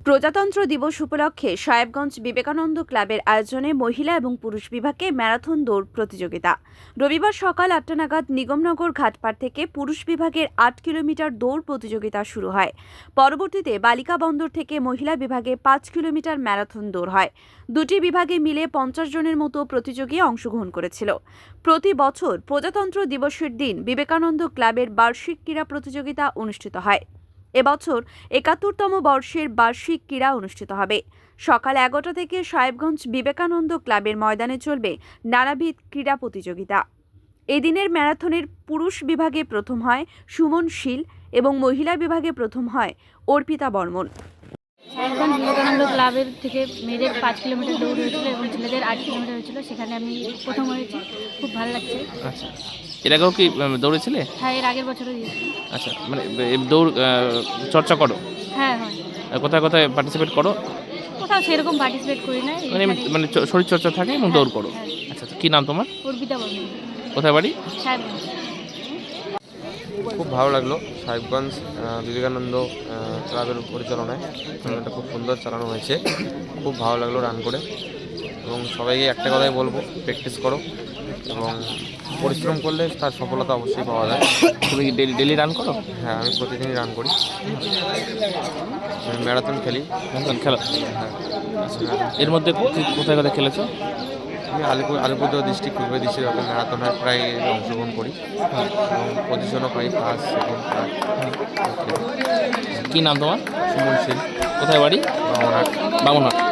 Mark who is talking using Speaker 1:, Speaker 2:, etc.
Speaker 1: প্রজাতন্ত্র দিবস উপলক্ষে সাহেবগঞ্জ বিবেকানন্দ ক্লাবের আয়োজনে মহিলা এবং পুরুষ বিভাগে ম্যারাথন দৌড় প্রতিযোগিতা। রবিবার সকাল ৮টা নাগাদ নিগমনগর ঘাটপাড় থেকে পুরুষ বিভাগের ৮ কিলোমিটার দৌড় প্রতিযোগিতা শুরু হয়। পরবর্তীতে বালিকা বন্দর থেকে মহিলা বিভাগে ৫ কিলোমিটার ম্যারাথন দৌড় হয়। দুটি বিভাগে মিলে ৫০ জনের মতো প্রতিযোগী অংশগ্রহণ করেছিল। প্রতি বছর প্রজাতন্ত্র দিবসের দিন বিবেকানন্দ ক্লাবের বার্ষিক ক্রীড়া প্রতিযোগিতা অনুষ্ঠিত হয়। এবছর ৭১তম বর্ষের বার্ষিক ক্রীড়া অনুষ্ঠিত হবে। সকাল ১১টা থেকে সাহেবগঞ্জ বিবেকানন্দ ক্লাবের ময়দানে চলবে নানাবিধ ক্রীড়া প্রতিযোগিতা। এদিনের ম্যারাথনের পুরুষ বিভাগে প্রথম হয় সুমন শীল এবং মহিলা বিভাগে প্রথম হয় অর্পিতা বর্মন।
Speaker 2: সাহেবগঞ্জ বিবেকানন্দ ক্লাবের থেকে মেয়েদের ৫ কিলোমিটার দৌড় হয়েছিল এবং ছেলেদের ৮ কিলোমিটার হয়েছিল। সেখানে আমি প্রথম হয়েছি, খুব ভালো লাগছে।
Speaker 3: আচ্ছা, এর আগেও কি দৌড়েছিলে?
Speaker 2: হ্যাঁ, এর আগের বছরও দিয়েছি।
Speaker 3: আচ্ছা, মানে দৌড় চর্চা করো?
Speaker 2: হ্যাঁ হয়।
Speaker 3: কোথায় কোথায় পার্টিসিপেট করো?
Speaker 2: কোথাও সেরকম পার্টিসিপেট করি না,
Speaker 3: মানে শরীর চর্চা থাকে এবং দৌড় করো।
Speaker 2: হ্যাঁ।
Speaker 3: আচ্ছা, কি নাম তোমার?
Speaker 2: অর্পিতা বর্মন।
Speaker 3: কোথায় বাড়ি?
Speaker 2: সাহেবগঞ্জ।
Speaker 4: খুব ভালো লাগলো সাহেবগঞ্জ বিবেকানন্দ ক্লাবের পরিচালনায় টুর্নামেন্টটা খুব সুন্দর চালানো হয়েছে। খুব ভালো লাগলো রান করে, এবং সবাইকে একটা কথাই বলবো, প্র্যাকটিস করো এবং পরিশ্রম করলে তার সফলতা অবশ্যই পাওয়া যায়।
Speaker 3: তুমি কি ডেলি রান করো?
Speaker 4: হ্যাঁ, আমি প্রতিদিনই রান করি, ম্যারাথন খেলি।
Speaker 3: ম্যারাথন খেলো?
Speaker 4: হ্যাঁ।
Speaker 3: এর মধ্যে কোথায় কোথায় খেলেছো?
Speaker 4: আমি আলিপুরদুয়ার ডিস্ট্রিক্ট পূর্ব ডিস্ট্রিক্ট ম্যারাথনে প্রায় অংশগ্রহণ করি এবং পজিশনও পাই, ফার্স্ট, সেকেন্ড, থার্ড।
Speaker 3: কি নাম তোমার?
Speaker 4: সুমন শীল।
Speaker 3: কোথায় বাড়ি?
Speaker 4: বামনহাট।
Speaker 3: বামনহাট।